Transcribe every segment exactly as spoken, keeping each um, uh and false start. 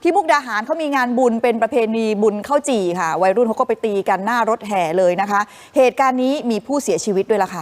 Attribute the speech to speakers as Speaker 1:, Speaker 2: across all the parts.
Speaker 1: ที่มุกดาหารเขามีงานบุญเป็นประเพณีบุญข้าวจี่ค่ะวัยรุ่นเขาก็ไปตีกันหน้ารถแห่เลยนะคะเหตุการณ์นี้มีผู้เสียชีวิตด้วยล่ะค่ะ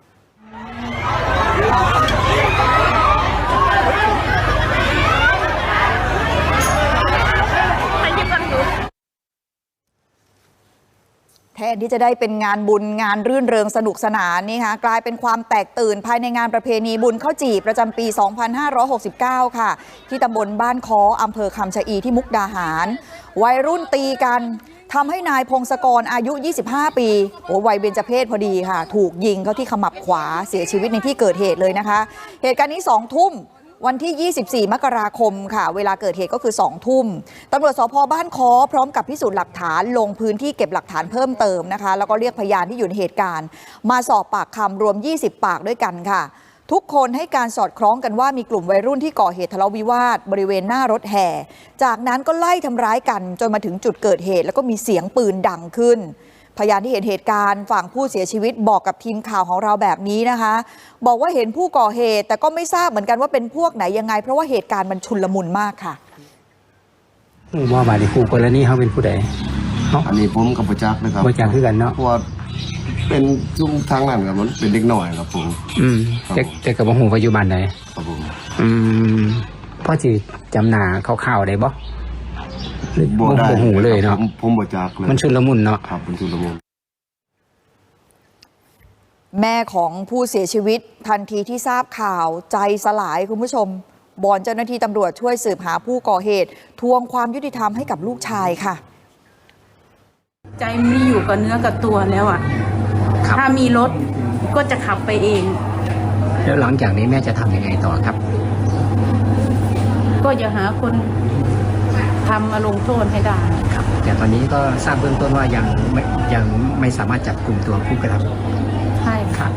Speaker 1: แทนที่จะได้เป็นงานบุญงานรื่นเริงสนุกสนานนี่ค่ะกลายเป็นความแตกตื่นภายในงานประเพณีบุญข้าวจี่ประจำปี สองพันห้าร้อยหกสิบเก้า ค่ะที่ตำบลบ้านค้ออำเภอคำชะอีที่มุกดาหารวัยรุ่นตีกันทำให้นายพงศกรอายุ ยี่สิบห้า ปีโอ้วัยเบญจเพสพอดีค่ะถูกยิงเข้าที่ขมับขวาเสียชีวิตในที่เกิดเหตุเลยนะคะเหตุการณ์นี้สองทุ่มวันที่ ยี่สิบสี่ มกราคมค่ะเวลาเกิดเหตุก็คือ สอง ทุ่มตำรวจสภ.บ้านค้อพร้อมกับพิสูจน์หลักฐานลงพื้นที่เก็บหลักฐานเพิ่มเติมนะคะแล้วก็เรียกพยานที่อยู่ในเหตุการณ์มาสอบปากคำรวม ยี่สิบ ปากด้วยกันค่ะทุกคนให้การสอดคล้องกันว่ามีกลุ่มวัยรุ่นที่ก่อเหตุทะเลาะวิวาทบริเวณหน้ารถแห่จากนั้นก็ไล่ทำร้ายกันจนมาถึงจุดเกิดเหตุแล้วก็มีเสียงปืนดังขึ้นพยานที่เห็นเหตุการณ์ฝั่งผู้เสียชีวิตบอกกับทีมข่าวของเราแบบนี้นะคะบอกว่าเห็นผู้ก่อเหตุแต่ก็ไม่ทราบเหมือนกันว่าเป็นพวกไหนยังไงเพราะว่าเหตุการณ์มันชุลมุนมากค่ะ
Speaker 2: ว่าบาดคู่กรณีเขาเป็นผู้ใด
Speaker 3: อันนี้ผมกับประจักษ์นะครับ
Speaker 2: ประจักษ์คือกันเนาะ
Speaker 3: เพราะว่าเป็นซุ้มทางนั้นครับมันเป็นเด็กหน่อยครับผม
Speaker 2: อืมแต่แต่กับหูปัจจุบันไหน
Speaker 3: ครับผม
Speaker 2: อืมพ่อจีจำหนาข่าวๆได้บ่
Speaker 3: บ่ได้
Speaker 2: หูเลยเนาะ
Speaker 3: ผมบ่จักเลย
Speaker 2: มันชุลมุนเนาะ
Speaker 3: ครับมันชุลมุน
Speaker 1: แม่ของผู้เสียชีวิตทันทีที่ทราบข่าวใจสลายคุณผู้ชมบอนเจ้าหน้าที่ตำรวจช่วยสืบหาผู้ก่อเหตุทวงความยุติธรรมให้กับลูกชายค่ะ
Speaker 4: ใจไม่อยู่กับเนื้อกับตัวแล้วอ่ะถ้ามีรถก็จะขับไปเอง
Speaker 2: แล้วหลังจากนี้แม่จะทำยังไงต่อครับ
Speaker 4: ก็จะหาคนทำมาลงโทษให้ได้
Speaker 2: ครับแต่ตอนนี้ก็ทราบเบื้องต้นว่ายังไม่ยังไม่สามารถจับกลุ่มตัวผู้กระท
Speaker 4: ำใช่
Speaker 2: ครับ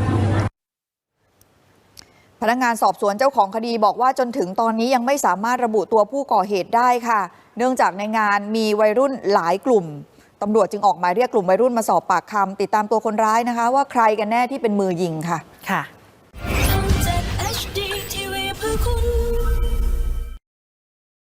Speaker 1: พนักงานสอบสวนเจ้าของคดีบอกว่าจนถึงตอนนี้ยังไม่สามารถระบุตัวผู้ก่อเหตุได้ค่ะเนื่องจากในงานมีวัยรุ่นหลายกลุ่มตำรวจจึงออกหมายเรียกกลุ่มวัยรุ่นมาสอบปากคำติดตามตัวคนร้ายนะคะว่าใครกันแน่ที่เป็นมือยิงค่ะ
Speaker 5: ค่ะ